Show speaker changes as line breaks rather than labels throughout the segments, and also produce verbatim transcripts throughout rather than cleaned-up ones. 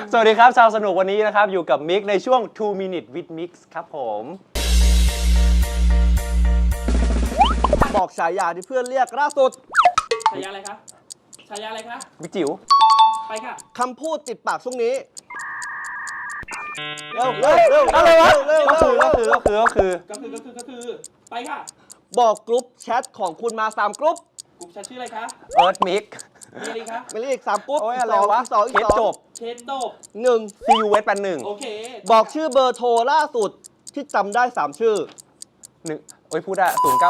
สวัสดีครับชาวสนุกวันนี้นะครับอยู่กับมิกในช่วง two minute with mix ครับผม
บอกฉายาที่เพื่อนเรียกล่าสุด
ฉายาอะไรคะฉายาอะไรคะ
มิกจิ๋ว
ไปค่ะ
คำพูดติดปากช่วงนี้เร็วเร็วเร็ว
อะไรวะ
เร็ว
ก็คือก็คือก็คือก็คือ
ก็คือก็คือก็คือไปค่ะ
บอกกรุ๊ปแชทของคุณมาสามกรุ๊ป
กลุ่มแชทชื่ออะไรคะ
เอิร์ธมิก
มีอะไรคะ
ไม่เรียกอีกสามกรุ๊ป
โอ้ย
อี
อะ
ก
ไร
สอง
วะ
อีกสองอี
เค
ก
ส
สอง
จบ
เคสโตบ
หนึ่ง
ซีอูเวสแปดหนึ่ง
โอเค
บอกชื่อเบอร์โทรล่าสุดที่จำได้สามชื่อ
หนึ่งโอ้ยพูดได้ศูนย์เก้า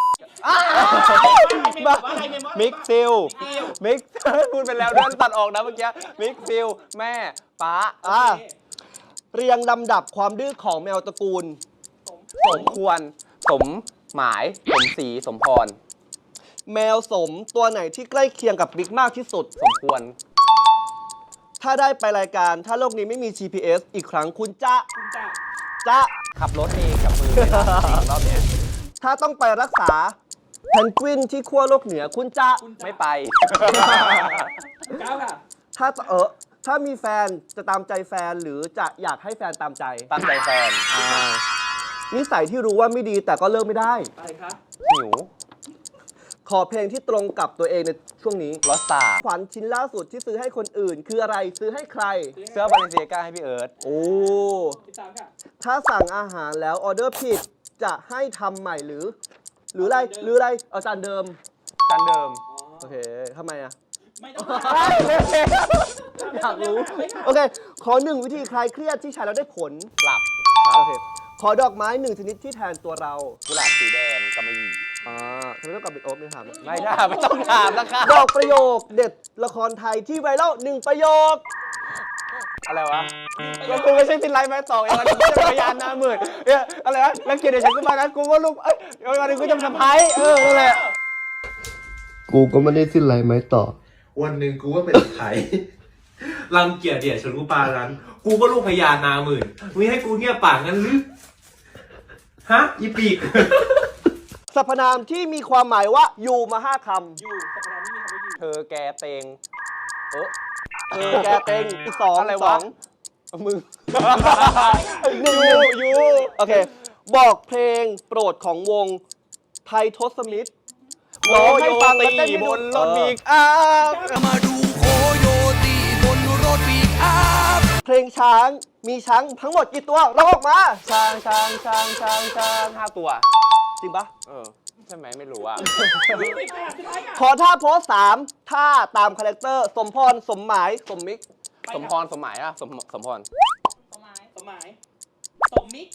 มิกซิลมิกพูดไปแล้วเดินตัดออกนะเมื่อกี้มิกซิลแม่ป้า
อ่าเรียงลำดับความดื้อของแมวตระกูล
สมควรสมหมายสมศรีสมพร
แมวสมตัวไหนที่ใกล้เคียงกับบิ๊กมากที่สุด
สมควร
ถ้าได้ไปรายการถ้าโลกนี้ไม่มี จี พี เอส อีกครั้งคุณจะ
คุณจะ
จะ
ขับรถเองกับมือเลยนะจริงรอบเนี้ย
ถ้าต้องไปรักษาเพนกวินที่ขั้วโลกเหนือคุณจะ
คุณจะ
ไม่ไป
ก้าวค่ะ
ถ้าเออถ้ามีแฟนจะตามใจแฟนหรือจะอยากให้แฟนตามใจ
ตามใจแฟน
นิสัยที่รู้ว่าไม่ดีแต่ก็เลิกไม่ได้
อะไรคะ
หิว
ขอเพลงที่ตรงกับตัวเองในช่วงนี้
ลอสตา
ขวัญชิ้นล่าสุดที่ซื้อให้คนอื่น คืออะไรซื้อให้ใคร
เสื้อบาเลนเซียก้าให้พี่เอิร์ธ
โอ้
สิบสามค่ะ
ถ้าสั่งอาหารแล้วออเดอร์ผิดจะให้ทำใหม่หรือ หรืออะไรหรืออะไรเอาจานเดิม
จานเดิม
โอเคทำไมอ่ะ
ไม่ต้อง
อยากรู้ โอเค ขอหนึ่งวิธีคลายเครียดที่ใช้แล้วได้ผล
หลับ
โอเค ขอดอกไม้หนึ่งชนิดที่แทนตัวเรา
กุหลาบสีแดงกำมะหยี่
อ่าทำไมต้องกลับไปโอ๊บไม่ถาม
ไม่ได้ไม่ต้องถามนะคะ
บอกประโยคเด็ดละครไทยที่ไวรัลหนึ่งประโยค
อะไรวะก็กูไม่ใช่ตินไลน์มาต่อเองวันนี้กูจะพยานหน้าหมื่นเนี่ยอะไรวะแล้วเกียรติเดี๋ยวฉันก็มานะกูก็ลูกเอ้ยวันนี้กูจะทำไพ่เออนั่นแหละ
กูก็ไม่ได้สิ้นไรไหมต่อ
วันหนึ่งกูก็เป็นไทย รังเกียจเดียดฉันกูปารัน กูก็ลูกพญานาหมื่นมึงให้กูเงียบปากงั้นหรือ ฮะ อีปีก
สรรพนามที่มีความหมายว่าอยู่มาห้าค
อยู่สัปดาห์นี้มีคำว่าอยู่
เธอแกเตง
ำเออเออแกเต็งอีกสอง
อะไร
ส
วะ
อง
มึง
อีกหนึ่ง
ยูยู
โอเค บอกเพลงโปรดของวงไททศมิตรร้องให้ฟังแล้วเต้นให้
บ
ดู
นรถบีกอัพ
มาดูโคโยตีบนรถปีกอัพ
เพลงช้างมีช้างทั้งหมดกี่ตัวร้องออกมา
ช้างช้างช้างช้างช้างห้าตัว
จริงปะ
เออ ใช่ไหมไม่รู้อ่ะ
สิบค่ะสุดท้ายค่ะ
ขอท่าโพสสามท่าตามคาแรคเตอร์สมพรสมหมายสมมิก
สมพรสมหมายอ่ะสมสมพร
สมหมายสมหมายสมมิก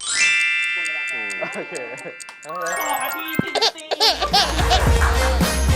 หมดเวลาค่ะ
โอเค
สองนาทีสิบสี่